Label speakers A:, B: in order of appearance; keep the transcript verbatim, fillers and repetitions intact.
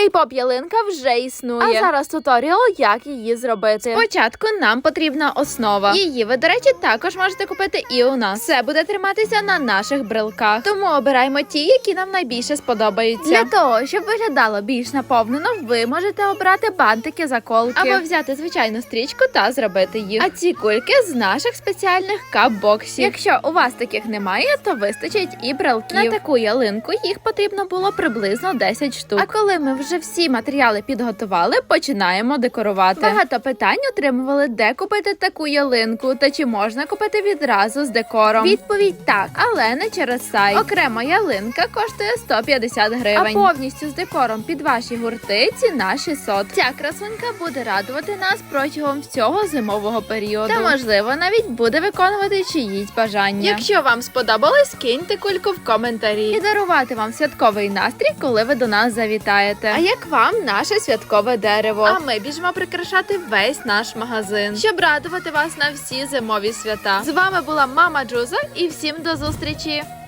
A: Кей-поп ялинка вже існує. А зараз туторіал, як її зробити. Спочатку нам потрібна основа. Її ви, до речі, також можете купити і у нас. Все буде триматися на наших брелках. Тому обираємо ті, які нам найбільше сподобаються. Для того, щоб виглядало більш наповнено, ви можете обрати бантики, заколки. Або взяти звичайну стрічку та зробити їх. А ці кульки з наших спеціальних кап-боксів. Якщо у вас таких немає, то вистачить і брелків. На таку ялинку їх потрібно було приблизно десять штук. А коли ми вже всі матеріали підготували, починаємо декорувати. Багато питань отримували, де купити таку ялинку та чи можна купити відразу з декором. Відповідь так, але не через сайт. Окрема ялинка коштує сто п'ятдесят гривень. А повністю з декором під ваші гурти ціна шістсот. Ця красунька буде радувати нас протягом всього зимового періоду. Та можливо навіть буде виконувати чиїсь бажання. Якщо вам сподобалось, киньте кульку в коментарі і дарувати вам святковий настрій, коли ви до нас завітаєте. А як вам наше святкове дерево? А ми біжимо прикрашати весь наш магазин, щоб радувати вас на всі зимові свята. З вами була мама Джуза і всім до зустрічі!